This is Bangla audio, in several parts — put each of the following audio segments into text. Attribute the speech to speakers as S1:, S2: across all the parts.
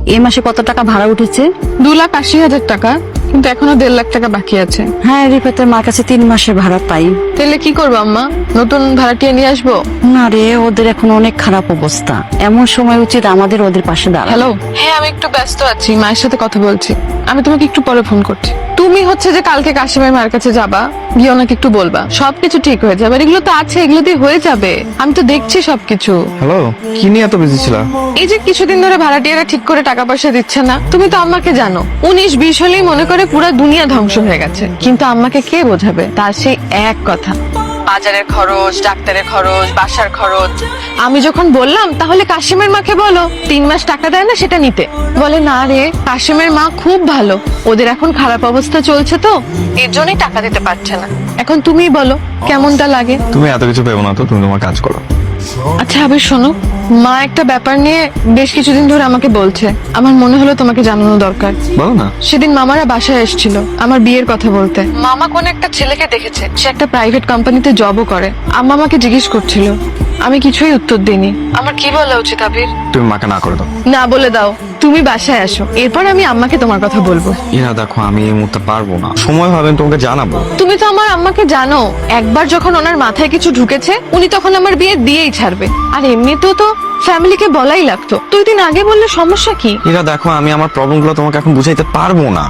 S1: এই মাসে কত টাকা ভাড়া উঠেছে?
S2: 2,80,000 টাকা, কিন্তু এখনো 1.5 লাখ টাকা বাকি আছে।
S1: হ্যাঁ, রিফাতের মার কাছে 3 মাসের ভাড়া পাই।
S2: তাহলে কি করবো আম্মা? নতুন ভাড়াটিয়া নিয়ে আসবো?
S1: না রে, ওদের এখন অনেক খারাপ অবস্থা। এমন সময় উচিত আমাদের ওদের পাশে দাঁড়ানো।
S2: হ্যালো, হ্যাঁ আমি একটু ব্যস্ত আছি, মায়ের সাথে কথা বলছি। আমি তোমাকে একটু পরে ফোন করছি। তুমি হচ্ছে যে কালকে কাশিমের মায়ের কাছে যাবা, গিয়ে ওনাকে একটু বলবা সবকিছু ঠিক হয়ে যাবে। আর এগুলো তো আছে, এগুলো দিয়ে হয়ে যাবে। আমি তো দেখছি সবকিছু।
S3: হ্যালো, কি নিয়ে এত বিজি ছিল?
S2: এই যে কিছুদিন ধরে ভাড়াটিয়ারা ঠিক করে টাকা পয়সা দিচ্ছে না, তুমি তো আম্মাকে জানো। 19-20 হলেই মনে করে পুরো দুনিয়া ধ্বংস হয়ে গেছে। কিন্তু আম্মাকে কে বোঝাবে? তার সেই এক কথা, বাজারের খরচ, ডাক্তারের খরচ, বাসার খরচ। আমি যখন বললাম তাহলে কাশিমের মাকে বলো 3 মাস টাকা দেয় না সেটা নিতে, বলে না রে, কাশিমের মা খুব ভালো, ওদের এখন খারাপ অবস্থা চলছে তো এর জন্যই টাকা দিতে পারছে না। এখন তুমিই বলো কেমনটা লাগে?
S3: তুমি এত কিছু ভেবো না তো, তুমি তোমার কাজ করো।
S2: আচ্ছা আবির শোনো, মা একটা ব্যাপার নিয়ে বেশ কিছুদিন ধরে আমাকে বলছে, আমার মনে হলো তোমাকে জানানো দরকার।
S3: বলো না।
S2: সেদিন মামারা বাসায় এসেছিল আমার বিয়ের কথা বলতে। মামা কোন একটা ছেলেকে দেখেছে, সে একটা প্রাইভেট কোম্পানিতে জবও করে। আম্মা আমাকে জিজ্ঞেস করছিল, আমি কিছুই উত্তর দিইনি। আমার কি বলা উচিত আবির?
S3: তুমি মাকে না করে দাও।
S2: না বলে দাও, তুমি বাসায় আসো, এরপর আমি আম্মাকে তোমার কথা বলবো।
S3: ইরা দেখো, আমি এই মুহূর্তে পারবো না, সময় হবে আমি তোমাকে জানাবো।
S2: তুমি তো আমার আম্মাকে জানো, একবার যখন ওনার মাথায় কিছু ঢুকেছে উনি তখন আমার বিয়ে দিয়েই ছাড়বে। আর এমনিতেও তো ফ্যামিলিকে বলাই লাগতো, 2 দিন আগে বললে সমস্যা কি?
S3: ইরা দেখো, আমি আমার প্রবলেম গুলো তোমাকে এখন বুঝাইতে পারবো না।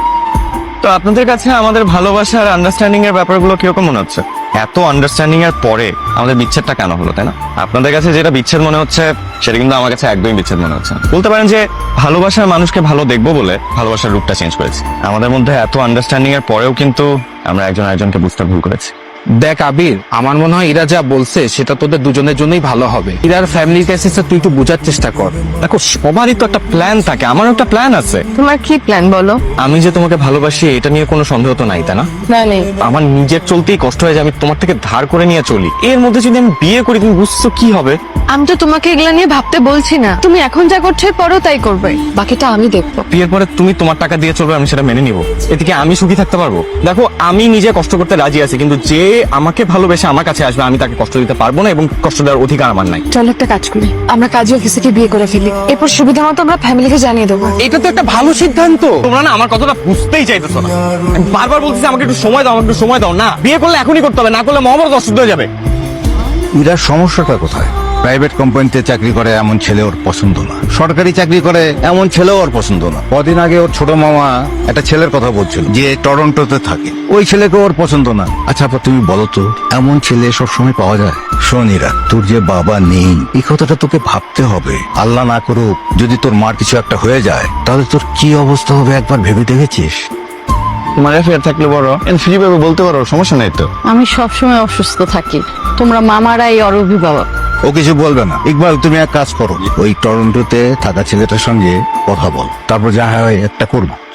S3: তো আপনাদের কাছে আমাদের ভালোবাসার আন্ডারস্ট্যান্ডিং এর ব্যাপারগুলো কিরকম মনে হচ্ছে? এত আন্ডারস্ট্যান্ডিং এর পরে আমাদের বিচ্ছেদটা কেন হলো, তাই না? আপনাদের কাছে যেটা বিচ্ছেদ মনে হচ্ছে সেটা কিন্তু আমার কাছে একদমই বিচ্ছেদ মনে হচ্ছে না। বলতে পারেন যে ভালোবাসার মানুষকে ভালো দেখবো বলে ভালোবাসার রূপটা চেঞ্জ করেছি। আমাদের মধ্যে এত আন্ডারস্ট্যান্ডিং এর পরেও কিন্তু আমরা একজন আরেকজনকে বুঝতে ভুল করেছি।
S4: দেখ আবির, আমার মনে হয় ইরা যা বলছে সেটা তোদের দুজনের জন্যই ভালো হবে। ইরার ফ্যামিলির কাছে তুই একটু বোঝার চেষ্টা কর।
S3: দেখো, সবারই তো একটা প্ল্যান থাকে, আমারও একটা প্ল্যান আছে।
S2: তোমার কি প্ল্যান বলো?
S3: আমি যে তোমাকে ভালোবাসি এটা নিয়ে কোনো সন্দেহ তো নাই, তাই না?
S2: না নেই।
S3: আমার নিজের চলতেই কষ্ট হয় যে আমি তোমার থেকে ধার করে নিয়ে চলি। এর মধ্যে যদি আমি বিয়ে করি, তুমি বুঝছো কি হবে?
S2: আমি তো তোমাকে এগুলা নিয়ে ভাবতে বলছি না, তুমি এখন যা করছো পরও তাই করবে, বাকিটা আমি দেখবো।
S3: বিয়ের পরে তুমি তোমার টাকা দিয়ে চলবে, আমি সেটা মেনে নিব। এদিকে আমি সুখী থাকতে পারবো? দেখো, আমি নিজে কষ্ট করতে রাজি আছি, কিন্তু যে আমাকে ভালোবেসে আমার কাছে আসবে আমি তাকে কষ্ট দিতে পারবো না, এবং কষ্ট দেওয়ার অধিকার আমার নাই।
S2: চল একটা কাজ করি, আমরা কাজী অফিসে বিয়ে করে ফেলি, এরপর সুবিধা মতো আমরা ফ্যামিলিকে জানিয়ে দেবো।
S4: এটা তো একটা ভালো সিদ্ধান্ত।
S3: তোমরা না আমার কথাটা বুঝতেই চাইতেছো না। আমি বারবার বলতেছি আমাকে একটু সময় দাও, আমাকে একটু সময় দাও। না, বিয়ে করলে এখনই করতে হবে, না করলে মহাভারত অশুদ্ধ হয়ে যাবে।
S5: ইরার সমস্যাটা কোথায়? প্রাইভেট কোম্পানিতে চাকরি করে এমন ছেলে ওর পছন্দ না, সরকারি চাকরি করে এমন ছেলেও ওর পছন্দ না। কদিন আগে ওর ছোট মামা একটা ছেলের কথা বলছিল যে টরন্টোতে থাকে, ওই ছেলেকে ওর পছন্দ না। আচ্ছা আপা, তুমি বলো তো, এমন ছেলে সবসময় পাওয়া যায়? শোন ইরা, তোর যে বাবা নেই এই কথাটা তোকে ভাবতে হবে। আল্লাহ না করুক যদি তোর মার কিছু একটা হয়ে যায়, তাহলে তোর কি অবস্থা হবে একবার ভেবে দেখেছিস?
S3: তোমার অ্যাফেয়ার থাকলে বড় ফ্রি ভাবে বলতে পারো, সমস্যা নাই তো।
S1: আমি সবসময় অসুস্থ থাকি, তোমরা মামারাই ওর অভিভাবক।
S5: ও কিছু বলবে না। ইকবাল, তুমি এক কাজ করো, ওই টরন্টোতে থাকা ছেলেটার সঙ্গে কথা বল, তারপর যা হয় একটা করবো।